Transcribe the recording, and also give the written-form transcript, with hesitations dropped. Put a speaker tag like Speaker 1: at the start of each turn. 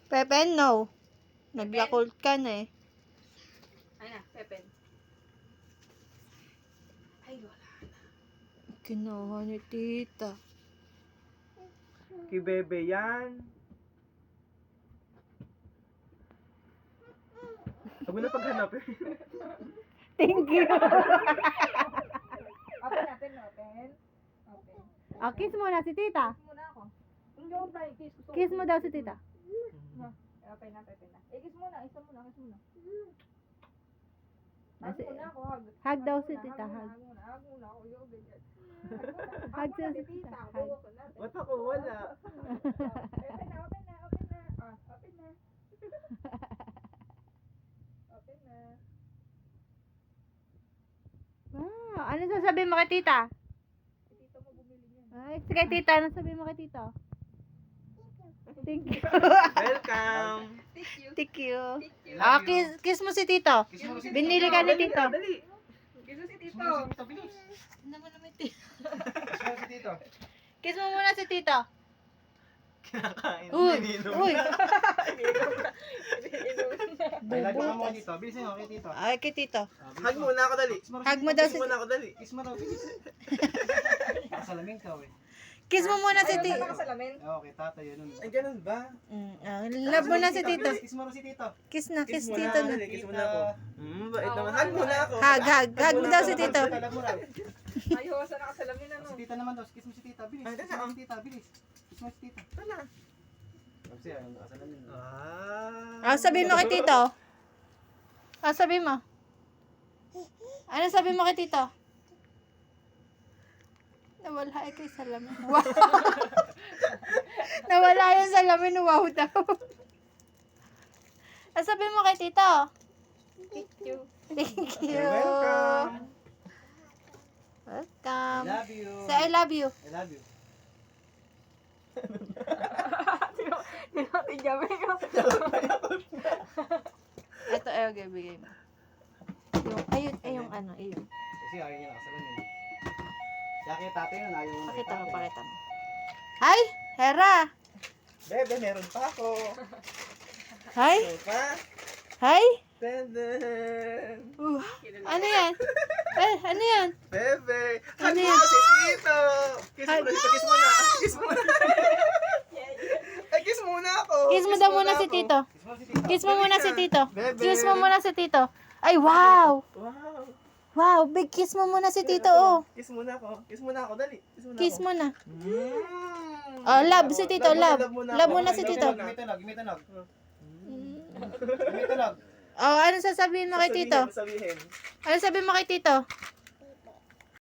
Speaker 1: Pepen, no. Naglakult ka na eh.
Speaker 2: Ay na, Pepen. Ay, wala.
Speaker 1: Kinuha ni tita.
Speaker 3: Kay Bebe yan. Huwag mo na paghanapin.
Speaker 1: Thank you.
Speaker 2: Open natin, open. Open.
Speaker 1: Ah, kiss mo na si tita.
Speaker 2: Kiss muna ako. Hindi ako blind kiss. Gusto ko-
Speaker 1: Kiss mo daw si tita.
Speaker 2: Open na, Pepen na. Kiss muna, isa muna, kiss muna. Hug
Speaker 1: Kasi-
Speaker 2: muna ako, hug.
Speaker 1: Hug daw
Speaker 2: muna,
Speaker 1: si tita,
Speaker 2: Hug
Speaker 1: hug.
Speaker 2: muna, hug muna ako. Yung ganyan.
Speaker 1: Hug
Speaker 2: muna
Speaker 1: si tita, hug.
Speaker 2: Buko natin.
Speaker 3: Ba't ako wala?
Speaker 2: Open na, open na, open na. Ah, open na. Open na.
Speaker 1: Wow, ano sasabihin mo kay tita?
Speaker 2: Tito mo bumili niyan.
Speaker 1: Ay, kay tita, ano sabihin mo kay tita? Thank you.
Speaker 3: Welcome.
Speaker 2: Thank you.
Speaker 1: Thank you.
Speaker 2: Thank you.
Speaker 1: Ah, kiss mo si tito.
Speaker 3: Kiss mo si
Speaker 1: Binili ka ni tito.
Speaker 3: Dali.
Speaker 2: Kiss mo si
Speaker 3: Kiss
Speaker 2: Tito.
Speaker 3: mo si Tito, bilis.
Speaker 1: Naman naman tito.
Speaker 3: Kiss mo si Tito.
Speaker 1: Kiss mo muna si tito.
Speaker 3: Kinakain.
Speaker 1: Uy,
Speaker 3: Iniinom.
Speaker 1: uy.
Speaker 3: Ay, lagyan mo dito. Bilisin mo kay Tito.
Speaker 1: Ay, kay tito.
Speaker 3: Hug muna ako dali.
Speaker 1: Hug mo daw
Speaker 3: Kiss
Speaker 1: si
Speaker 3: muna ako dali. Kiss mo daw, bilis. Kasalamin ka, we.
Speaker 1: Kiss mo muna si
Speaker 2: Ayaw
Speaker 1: tito.
Speaker 2: na nakasalamin.
Speaker 3: Okay, tatay, yun. Ay, ganun ba?
Speaker 1: Love mo na si tito.
Speaker 3: Kiss mo si Tito.
Speaker 1: Kiss na, kiss
Speaker 3: mo
Speaker 1: tito na.
Speaker 3: dali, kiss mo na ako. Bait naman. Hug muna ako.
Speaker 1: Hug, hug. Hug mo daw si tito.
Speaker 3: Hug mo daw.
Speaker 2: Ayaw sa nakasalamin ano.
Speaker 3: Si Tita naman daw. Kiss mo si Tita, bilis. Kiss mo si Tita, bilis. Kiss mo si Tita. Wala. Kasi ang kasalamin.
Speaker 1: Ah, sabihin mo kay tito. Ah, sabihin mo. Ano sabihin mo kay tito? Nawala ay kay salamin. Wow. Nawala yung salamin. Wow daw. Ah, sabihin mo kay tito.
Speaker 2: Thank you.
Speaker 1: Thank you.
Speaker 3: You're welcome.
Speaker 1: Welcome.
Speaker 3: Love you.
Speaker 1: Say I love you.
Speaker 3: I love you.
Speaker 2: Tinapin kami.
Speaker 1: Ito, okay, bigay mo. Yung ano, ayun.
Speaker 3: Kasi ayaw niya nakasalamin. Siya kay tatay yun, ayaw mo.
Speaker 1: Pakita mo, pakita mo. Hi, Hera.
Speaker 3: Bebe, meron pa ako.
Speaker 1: Hi,
Speaker 3: Meron pa.
Speaker 1: hi.
Speaker 3: Tenden.
Speaker 1: Ano yan? Ano yan?
Speaker 3: Bebe.
Speaker 1: Ano
Speaker 3: Hug mo
Speaker 1: yan?
Speaker 3: si Tito. Kiss mo na. Kiss mo na. Kiss mo na. Ay, kiss muna ako.
Speaker 1: Kiss mo daw muna si Tito.
Speaker 3: Kiss mo si Tito.
Speaker 1: Kiss mo muna si Tito.
Speaker 3: Bebe.
Speaker 1: Kiss mo muna si Tito. Ay, wow.
Speaker 3: Wow.
Speaker 1: Wow, big kiss mo muna si Tito, oh.
Speaker 3: Kiss muna ako. Kiss muna ako, dali. Kiss muna
Speaker 1: Kiss
Speaker 3: ako.
Speaker 1: mo na.
Speaker 3: Mm.
Speaker 1: Oh, love si Tito, love. Love muna si Tito.
Speaker 3: Give me tunog, give me tunog. Give me tunog.
Speaker 1: Oh, ano sasabihin mo kay Tito?
Speaker 3: Sabihin.
Speaker 1: Ano sabihin mo kay Tito?